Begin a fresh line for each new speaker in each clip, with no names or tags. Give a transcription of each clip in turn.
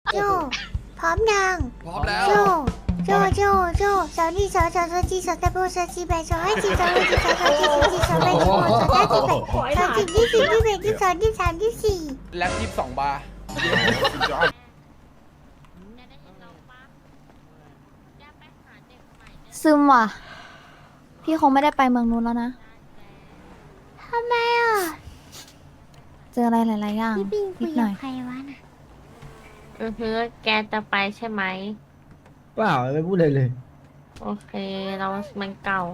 โจพร้อมยัง
พร้อมแล้ว
โจสาวนี่สาวจีสาวตะโบสาวจีแบสาวให้จีสาวให้จีสาวจีสาวแบสาวสาวจีแบสาวจีที่สี่ที่แบที่สองที่สามที่สี่
แล็บ22 บาร์
ซึมว่ะ พี่คงไม่ได้ไปเมืองนู้นแล้วนะ
ทำไมอ่ะ
เจออะไรหลายๆอย่าง
พี่ปิงคุ
นิ
ย
ดห
กั
น่
บ
อย
ใครวะน่ะ
แกจะไปใช่ไหม
เปล่าไม่พูดเลยเลย
โอเค เรามันเก่า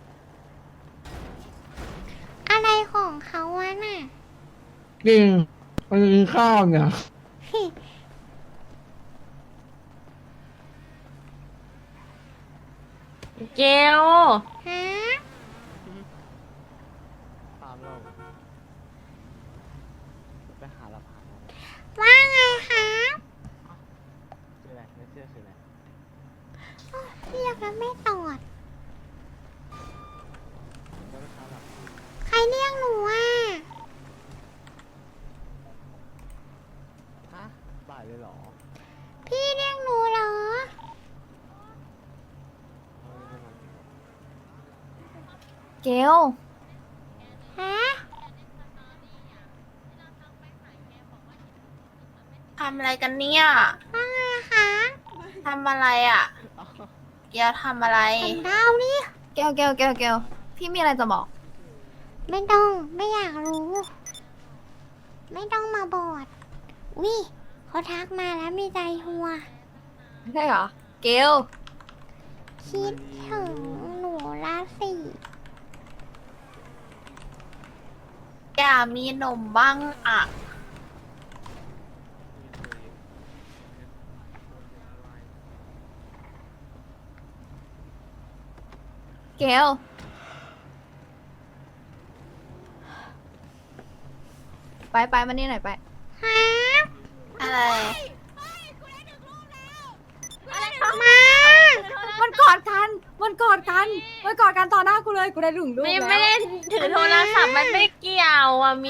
อะไรของเขาวะน่ะ
จริงมันกินข้าวเนี่ย
เกล
ฮะว่าไงคะเรียกแล้วไม่ตอดใครเรียกหนูอ่ะ
บ่ายเลยเหรอ
พี่เรียกหนูเหรอ
เกล
ฮะ
ทำอะไรกันเนี่ย
ว่าไงคะ
ทำอะไรอ่ะเกลทำอะไร
ทำดาวนี่
เกลพี่มีอะไรจะบอก
ไม่ต้องไม่อยากรู้ ไม่ต้องมาบอดวิเขาทักมาแล้วมีใจหัว
ใช่เหรอ เกล
คิดถึงหนูละสิ
อย่ามีหนมบ้างอ่ะ
เกล ไปมานี่หน่อยไป
ฮะ
อะไร
มา
มันกอดกันต่อหน้ากูเลย กูได้ถึงลูก
ไม่
แล้ว
ไม่ได้ถือโทรศัพท์มันไม่เกี่ยวอ่ะมิ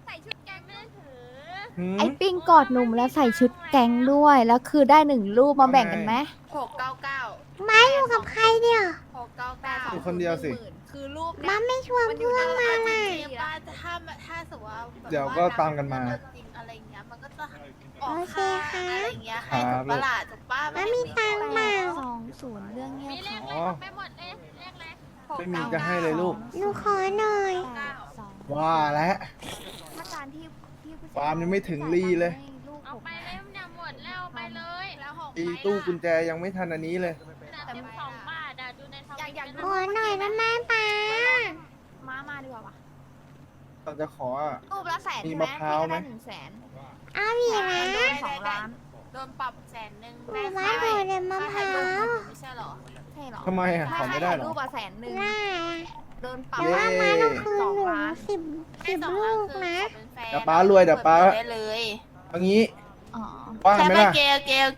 ไอ้ปิ้งกอดหนุ่มแล้วใส่ชุดแก๊งด้วย แล้วคือได้1 รูปมาแบ่งกันไหม
699
มาอยู่กับใครเนี่ย
699
อยู่คนเดียวสิ
คือรูป
มาไม่ชวนเพื่อนมาล่ะ
ถ้าสมมติว่าแบบ
เดี๋ยวก็ตามกันมา
จริงอะไรเงี้ยมันก็จะออก
โอเค
ค่า
ค่ะ
อะไรเงี้ยให้ถูกปะล่ะถูกป้า
มามีตังค์เปล่า
20 เรื่องเงียบ
อ๋อ ไม่มีจะให้เลยลูก
หนูขอหน่อย
ว่าแล้ว
ถ้าการที่พี่ผู้ชย
ฟาร์มยังไม่ถึงลี่เลย
ให้ลูก
เอา
ผม
ไปเลยเนี่ยหมดแล้วไปเลยแล้วของ
ตีตู้กุญแจยังไม่ทันอันนี้เลย
แต่12 บาทอ่ะดูในทวิต
อยาก
ขอหน่อยนะแม่ป้า
มาดีกว่าวะ
เราจะขออ่ะ
รูปละแสน
มี
ใช่ไหม
มะพร้าวไหม
พี่ก็ได้100,000
เอาอีกนะ
โดน2 ล้าน
โดนปรับ100,000
หนูว่าหนูเดี๋ยวมะพร้าว
ไม่ใช่หรอ
ใช่เหรอ
ทำไมอ่ะ ขอไม่ได้เหรอ
รูปอะ100,000
ได้
โดนปรับ
แต่ว่ามาต้องคืนหนู
2 ล้าน
สิบลูกนะ
เดี๋ยวป้ารวยเดี๋ยวป้า
ได้เลย
เอางี้
อ๋อ
ว่าง
ใช่
ไหม
ป่ะ
ล่ะ
เกล
ฮะ
เกล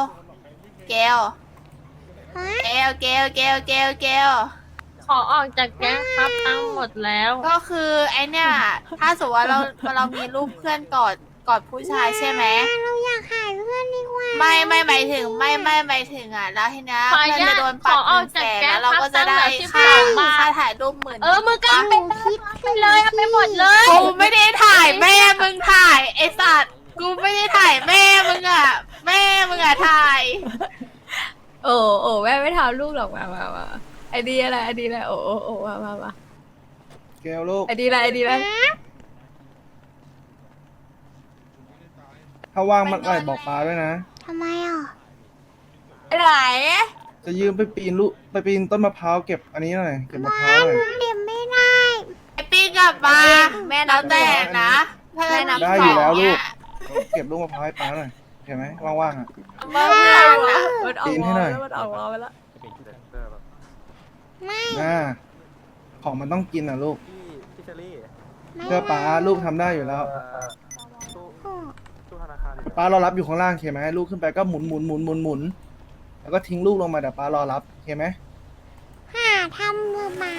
ขอออกจากแก๊งครับตั้งหมดแล้ว ก็คือไอเนี่ย ถ้าสมมติว่าเรามีรูปเพื่อนกอดผู้ชายใช่ไหม
เราอยากหาเพื่อนดีกว่า
ไม่หมายถึงไม่หมายถึงอ่ะแล้วทีเนี้ยเพื่อนจะโดนปรับ100,000แล้วเราก็จะได้ค่าถ่ายรูป10,000มึงก็
หนูคิดถึง
เลยเอาไปหมดเลยกูไม่ได้ถ่ายแม่มึงถ่ายไอสัตว์กูไม่ได้ถ่ายแม่มึงอ่ะแม่มึงอ่ะถ่าย
โอ้แม่ไม่ทำลูกหรอกมาไอดีอะไรโอ้มา
เกลลูก
ไอดีอะไร
ถ้าว่างเมื่อไหร่บอกป้าด้วยนะ
ทำไมอ่ะ
ไหน
จะยืมไปปีนต้นมะพร้าวเก็บอันนี้หน่อย เก็บมะพร้าวหน่อย
เดี๋ยวไม่ได้
ไอปี้กลับมา
แม่นั
แล้
บ
วแต่นะถ้า
แม่นับ
ได้อยู่แล้วลูก เก็บลูกมะพร้าวให้ป้าหน่อยเห็นไหมว่างๆอ่ะ
เมื่อเพื่อนนะ
ปีนให้หน่อย
มันออกมาแล้ว
ไม่
อ่าของมันต้องกินอ่ะลูก
ไม่
เชื่อป้าลูกทำได้อยู่แล้ว
โอ้
ป้ารอรับอยู่ข้างล่างโอเคไหมลูกขึ้นไปก็หมุนแล้วก็ทิ้งลูกลงมาเดี๋ยวป้ารอรับโอเคไหม
หาทำมือหมา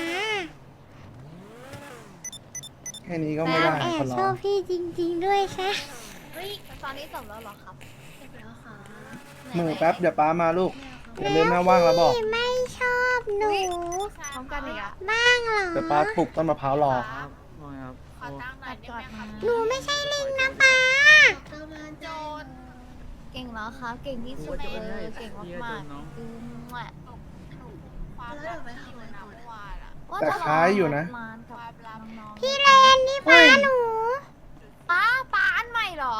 แค่นี้ก็
แล้
ไม่
ว
ได้
แอ
ขอบ ร้
ช
อ
อง บพี่จริงๆด้วยใช่
ตอนนี้จบแล้วเหรอครับ
จบแล้วค่ะ
มือแป๊บเดี๋ยวป้ามาลูกอย่าลืมนะว่างแล้วบอก
พี่ไม่ชอบหนู
พร้อมกันอีกอะ
บ้างเหรอ
เดี๋ยวป้าปลุกต้นมะพร้าวรอ
ขอตั้งหน่อยได้ไหมคะ
หนูไม่ใช่ลิงนะป้า
โจร
เก่งแล้วครับ เก่งที่สุดเลยเก่งมากๆอืมว่ะ
ความรักที่อยู่นะเมื่อวานอะ
ว่า
แต่
จะ
คล้ายอยู่นะ
มานกับน้องๆ
พี่เลนนี่ป้าหนู
ป้าอันใหม่เหรอ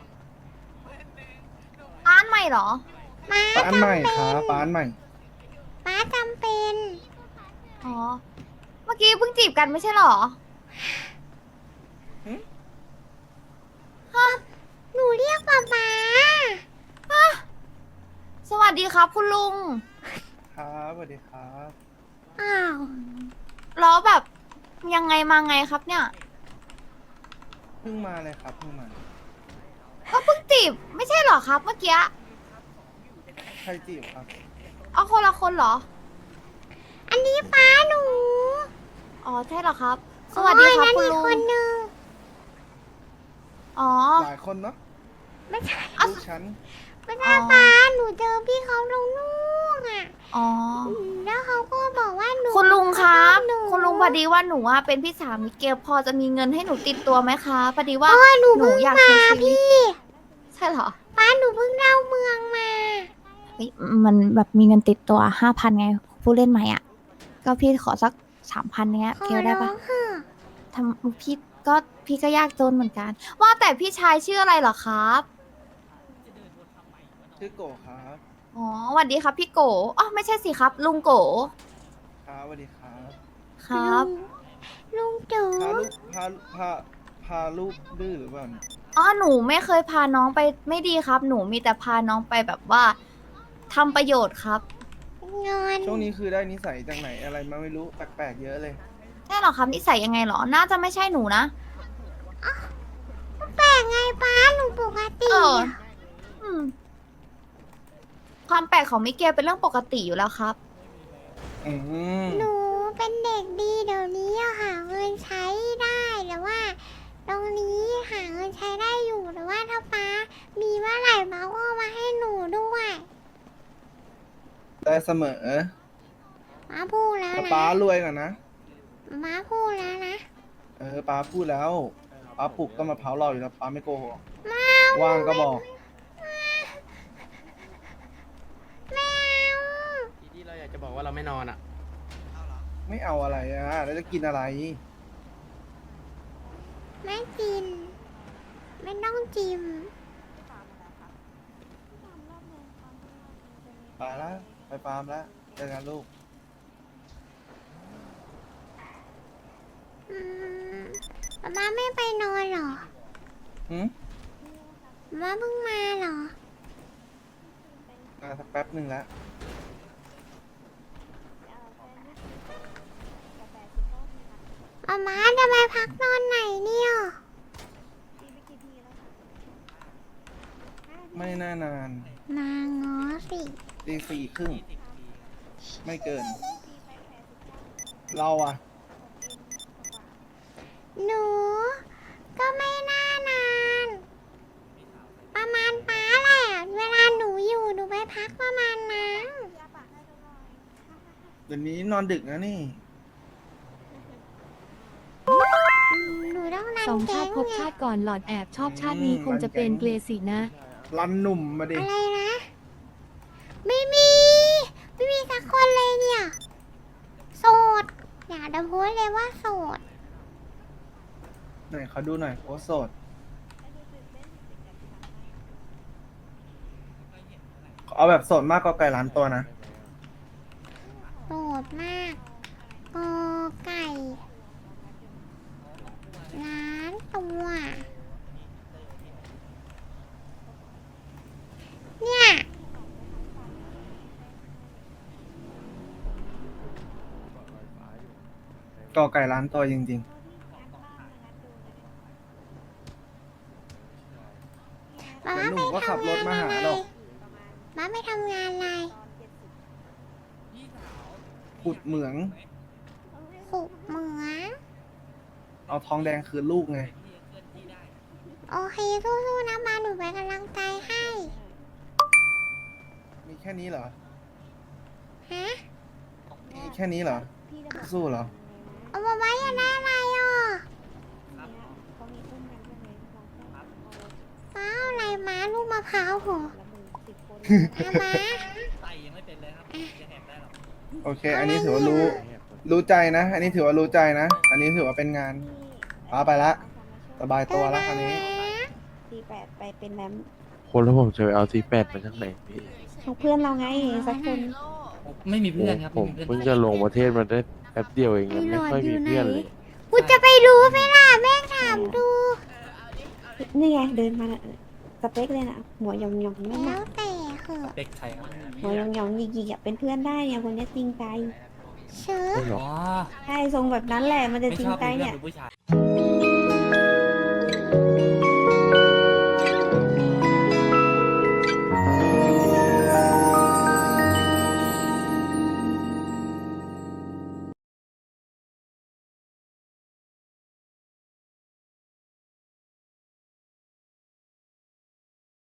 ป้าอันใหม่เหรอ
ป้า
ป้าอันใหม่
จำ
ค
เป็
รับ
น
ป้าอันใหม่
ป้าจำเป็น
อ๋อ เมื่อกี้เพิ่งจีบกันไม่ใช่เหรอ
หนูเรียกป้าป้า
สวัสดีครับคุณลุง
ครับสวัสดีครับ
อ้าว
แล้วแบบยังไงมาไงครับเนี่ย
เพิ่งมาเลยครับเพิ่งมา
ก็เพิ่งจีบไม่ใช่เหรอครับ เมื่อกี้
ใครจีบครับ
เอาคนละคนเหรอ
อันนี้ป้าหนู
อ๋อใช่เหรอครับ สวัสดีครับ
โอ้ย
คุณ
นั่น
ลุ
อีก
ง
คนนึง
อ๋อ
หลายคนเนาะ
ไม่ใช่
ลูกฉัน
ไม่ใช่ป้าหนูเจอพี่เขาลงนู่นอ่ะ
อ๋อ
แล้วเขาก็บอกว่าหนู
คุณลุงครับ
หนู
คุณลุงพอดีว่าหนูอะเป็นพี่สาวมิเกลพอจะมีเงินให้หนูติดตัวไหมคะพอดีว่า
โอ้ยหนู
หนู
เพิ่ง
อยาก
มา
ใช้ชีวิต
พี่
ใช่เหรอ
ป้าหนูเพิ่งเล่าเมืองมา
เฮ้ยมันแบบมีเงินติดตัว5,000ไงผู้เล่นใหม่อ่ะ ก็พี่ขอสัก3,000เนี้ย
ขอ
เกลได้
ร้อ
ปะ
งเถอะ
ทำพี่ก็ยากจนเหมือนกัน ว่าแต่พี่ชายชื่ออะไรเหรอครับ
ชื่อโกครับ
อ๋อสวัสดีครับพี่โกอ๋อไม่ใช่สิครับ ลุงโก
ครับสวัสดีครับ
ครับ
ลุงจู
พาลูกพาลูกดื้อหรือเปล่าเนี่ย
อ๋อหนูไม่เคยพาน้องไปไม่ดีครับ หนูมีแต่พาน้องไปแบบว่าทำประโยชน์ครับ
เงิน
ช่วงนี้คือได้นิสัยจากไหนอะไรมาไม่รู้แปลกๆเยอะเลย
ใช่เหรอครับนิสัยยังไงเหรอ น่าจะไม่ใช่หนูนะ
แปลกไงป้าหนูปกติ
เออ
อะ
อืม ความแปลกของมิเกลเป็นเรื่องปกติอยู่แล้วครับ
อืม
หนูเป็นเด็กดีเดี๋ยวนี้อะหาเงินใช้ได้แต่ว่า ตรงนี้หาเงินใช้ได้อยู่แต่ว่าถ้าป้ามีเมื่อไหร่ป้าก็มาให้หนูด้วย
ได้เสมอ
ป้าพูดแล้ว
แต่
นะ
ป้ารวยก่อนนะ
ป้าพูดแล้วนะ
ป้าพูดแล้วป้าปลุกต้นมะพร้าวรออยู่แล้วป้าไม่โกหก
มา
ว่างก็บอก
แมว
ที่เราอยากจะบอกว่าเราไม่นอนอ่ะ
ไม่เอาอะไรอ่ะแล้วจะกินอะไร
ไม่กิน ไม่ต้องจิ้ม
ไปแล้วไปฟาร์มแล้วเจอกันลูก
อืมป้าไม่ไปนอนเหรอ
หืม
ป้าเพิ่งมาเหรอ
มาสักแป๊บหนึ่งแล้ว
ป้าจะไปพักนอนไหนเนี่ย
ไม่น่านาน
มางอสิ
ตี 4:30ไม่เกิน เราอ่ะ
หนู ก็ไม่น่านาน ประมาณป้าแหละ เวลาหนูอยู่หนูไปพักประมาณนั้น
เดี๋ยวนี้นอนดึกนะนี่
หนูต้องนัน
สอง
แก๊
ชาง ติพบ
ไง
ชาติก่อนหลอดแอบชอบชาตินี้คงจะเป็นเกรสินะ
รันหนุ่มมาดิ
อะไรนะ ไม่มี ไม่มีสักคนเลยเนี่ย โสด อยากจะโพสต์เลยว่าโสด
ไหนเขาดูหน่อยโอ้โสด เอาแบบโสดมากก็ไก่ล้านตัวนะ
โสดมากกอไก่ล้านตัว เนี่ย
ก็ไก่ล้านตัวจริง
ป้า
เดี๋ยวหนุ่
ไป
มก็ขับ
ทำ
รถ
งาน
มาหา
อะไร
หรอก
ป้าไปทำงานอะไร
ๆขุดเหมือง
ขุดเหมือง
เอาทองแดงคืนลูกไง
โอเคสู้ๆนะป้าหนูเป็นกำลังใจให้
แค่นี้เหรอ
ฮะ
มีแค่นี้เหรอ สู้เหรอ
เอามาไว้ยังได้อะไรอ่ะป้าเอาอะไรมาลูกมะพร้าวเหรอเอามา
โอเค อันนี้ถือว่ารู้ใจนะ อันนี้ถือว่ารู้ใจนะ อันนี้ถือว่าเป็นงานป้าไปละ สบายตัวแล้วคราวนี้
48ไปเป็นแรม
คนแล้วผมจะไปเอาC8มาจากไหนพี่
ของเพื่อนเราไงสักคน
ไม่มีเพื่อนครับ
ผมเพิ่งจะลงประเทศมาได้แป๊บเดียวเองยังไม่ค่อยมีเพื่อนเลย
กูจะไปรู้ไหมล่ะแม่งถามดู
นี่ไงเดินมาน่ะสเปคเลยนะหัวยองยองไม่
แล้
มาว
แต่เหอะ
เด็กใครครับ
หัวยองยองหยิกๆอ่ะเป็นเพื่อนได้เนี่ยคนนี้จริงใจ
เชื่อ
ไม่หรอก
อ๋อ
ใช่ทรงแบบนั้นแหละมันจะ
ไม่
จริ
ช
ง
อบ
ใจ
มีเพื่อ
เนี่
น
ย
เป็นผู้ชาย